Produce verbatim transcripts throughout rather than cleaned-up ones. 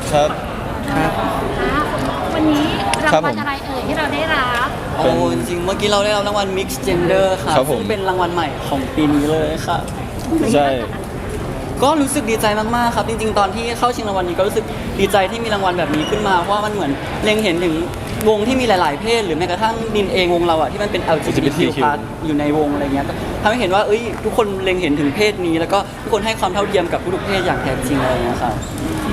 ครับครับวันนี้รางวัลอะไรเอ่ยที่เราได้รับโอ้จริงๆเมื่อกี้เราได้รับรางวัล Mix Gender ค่ะซึ่งเป็นรางวัลใหม่ของปีนี้เลยค่ะใช่ก็รู้สึกดีใจมากๆครับจริงๆตอนที่เข้าชิงรางวัลนี้ก็รู้สึกดีใจที่มีรางวัลแบบนี้ขึ้นมาเพราะว่ามันเหมือนเล็งเห็นถึงวงที่มีหลายๆเพศหรือแม้กระทั่งดินเองวงเราอะที่มันเป็น แอล จี บี ที คิว plus อยู่ในวงอะไรเงี้ยก็ทำให้เห็นว่าเอ้ยทุกคนเล็งเห็นถึงเพศนี้แล้วก็ทุกคนให้ความเท่าเทียมกับทุกๆเพศอย่างแท้จริงอะไรเงี้ยครับ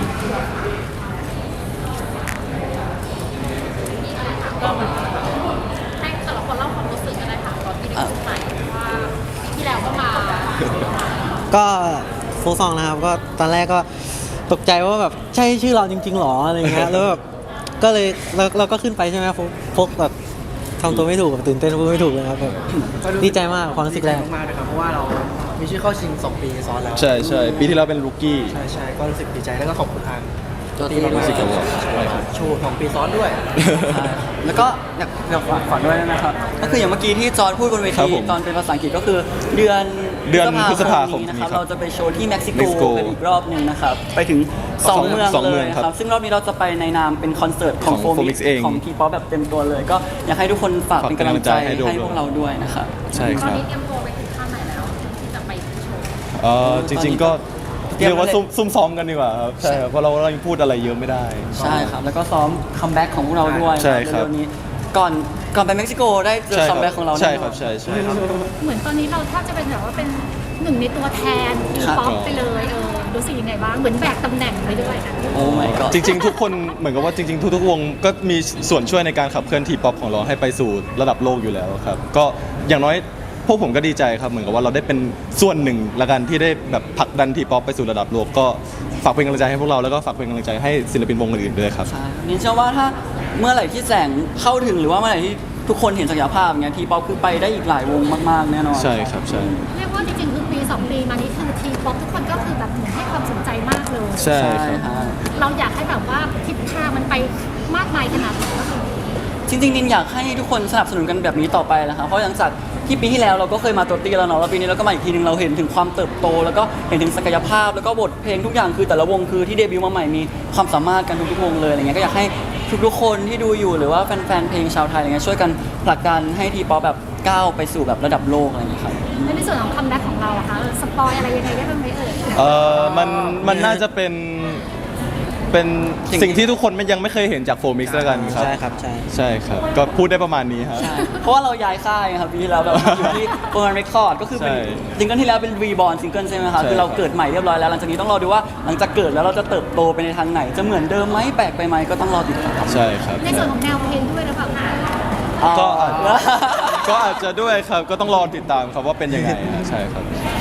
ให้แต่ละคนเล่าความรู้สึกกันได้ค่ะตอนที่ได้ใส่ว่าที่แล้วก็มาก็โฟกซองนะครับก็ตอนแรกก็ตกใจว่าแบบใช่ชื่อเราจริงๆหรออะไรเงี้ยแล้วแบบก็เลยเราเราก็ขึ้นไปใช่ไหมโฟกโฟกแบบทำตัวไม่ถูกแบบตื่นเต้นพูดไม่ถูกเลยครับแบบดีใจมากความรู้สึกแรกมากๆเลยครับเพราะว่าเรามีชื่อเข้าชิงสองปีซ้อนแล้วใช่ใช่ปีที่แล้วเป็นลูกี้ใช่ใช่ก็รู้สึกดีใจแล้วก็ขอบคุณทางตัวที่ที่รู้มาสึกกกับใช่ครับโชว์สองปีซ้อนด้วยแล้วก็อยากอยากฝากฝากด้วยนะครับก็คืออย่างเมื่อกี้ที่จอร์จพูดบนเวครัทีบผมตอนเป็นภาษาอังกฤษก็คือเดือนเดือนพฤษภาคมนี้นะนี้ครับครับเราจะไปโชว์ที่เม็กซิเม็กซิโกโกกันอีกรอบหนึ่งนะครับไปถึงสองเมืองสองเลเมืองยครับครับซึ่งรอบนี้เราจะไปในนามเป็นคอนเสิร์ตของของโฟมิ Fomix เองของทีป๊อปแบบเต็มตัวเลย ก็อยากให้ทุกคนฝากเป็นกำลังใจฝากเป็นกำลังใจให้ให้พวกเราด้วยนะครับใช่คตอนรับนี้เตรียมตัวไปถึงขั้นไหนแล้วที่จะไปโชว์เออจริงๆก็เรียกว่าซุ่มซุ่มซ้อมกันดีกว่าครับใช่ครับเพราะเราเรายังพูดอะไรเยอะไม่ได้ใช่ครับแล้วก็ซ้อมคัมแบ็กของพวกเราด้วยใช่ครับเร็วๆนี้ก่อนก่อนไปเม็กซิโกได้เจอคัมแบ็กของเราใช่แน่นคอรับนใช่ใช่ครับเหมือนตอนนี้เราแทบจะเป็นแบบว่าเป็นหนึ่งในตัวแทนทีครับป๊อปไปเลยเออรู้สึกยังไงบ้างเหมือนแบกตำแหน่งไปด้วยนะโอ้ my god จริงๆ ทุกคนเหมือนกับว่าจริงๆ ทุกๆวงก็มีส่วนช่วยในการขับเคลื่อนทีป๊อปของเราให้ไปสู่ระดับโลกอยู่แล้วครับก็อย่างน้อยพวกผมก็ดีใจครับเหมือนกับว่าเราได้เป็นส่วนหนึ่งละกันที่ได้แบบผลักดันทีป๊อปไปสู่ระดับโลกก็ฝากเป็นกำลังใจให้พวกเราแล้วก็ฝากเป็นกำลังใจให้ศิลปินวงอื่นๆด้วยครับใช่นินเชื่อว่าถ้าเมื่อไหร่ที่แสงเข้าถึงหรือว่าเมื่อไหร่ที่ทุกคนเห็นศักยภาพอย่างเงี้ยทีป๊อปคือไปได้อีกหลายวงมากๆแน่นอนใช่ครับใช่เรียกว่าจริงๆคือปีสองปีมานี้คือทีป๊อปทุกคนก็คือแบบเหมือนให้ความสนใจมากเลยใช่ใช่ครับฮะเราอยากให้แบบว่าทิศทางมันไปมากมายขนาดไหนจริงๆนินอยากให้ทุกคนสนับสนุนกันแบบนี้ต่อไปนะครับเพราะอย่างจากที่ปีที่แล้วเราก็เคยมาตัวตีแล้วเนาะแล้วปีนี้เราก็มาอีกทีนึงเราเห็นถึงความเติบโต แล้วก็เห็นถึงศักยภาพแล้วก็บทเพลงทุกอย่างคือแต่ละวงคือที่เดบิวต์มาใหม่มีความสามารถกันทุกๆวงเลยอะไรเงี้ยก็อยากให้ทุกๆคนที่ดูอยู่หรือว่าแฟนๆเพลงชาวไทยอะไรเงี้ยช่วยกันผลักดันให้ทีป๊อปแบบก้าวไปสู่แบบระดับโลกอะไรอย่างเงี้ยครับและในส่วนของคัมแบ็กของเราอะคะเออสปอยอะไรยังไงได้บ้างไหมเอ่ยเออมันมันน่าจะเป็นเป็นสิ่งที่ทุกคนไม่ยังไม่เคยเห็นจากโฟมิกซ์แล้วกันครับใช่ครับใช่ใช่ครับก็พูดได้ประมาณนี้ครับใช่เพราะว่าเราย้ายค่ายครับปีที่แล้วแบบอยู่ที่โฟร์เรคคอร์ดก็คือเป็นใช่ซิงเกิลที่แล้วเป็นรีบอร์นซิงเกิลใช่ไหมครับใช่คือเราเกิดใหม่เรียบร้อยแล้วหลังจากนี้ต้องรอดูว่าหลังจากเกิดแล้วเราจะเติบโตไปในทางไหน จะเหมือนเดิมไหมแปลกไปไหมก็ต้องรอติดตามใช่ครับในส่วนของแนวเพลงด้วยหรือเปล่าคะก็อาจก็อาจจะด้วยครับก็ต้องรอติดตามครับว่าเป็นยังไงฮะใช่ครับ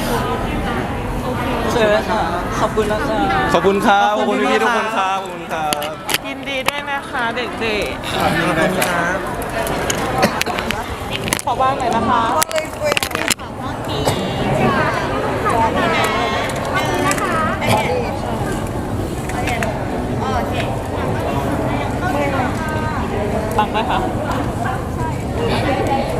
เชิญค่ะขอบคุณนะคะขอบคุณครับขอบคุณพี่ๆทุกคนครับขอบคุณครับยินดีด้วยนะคะเด็กครับๆ ขอบ้างหน่อยนะคะ ปังไหมคะ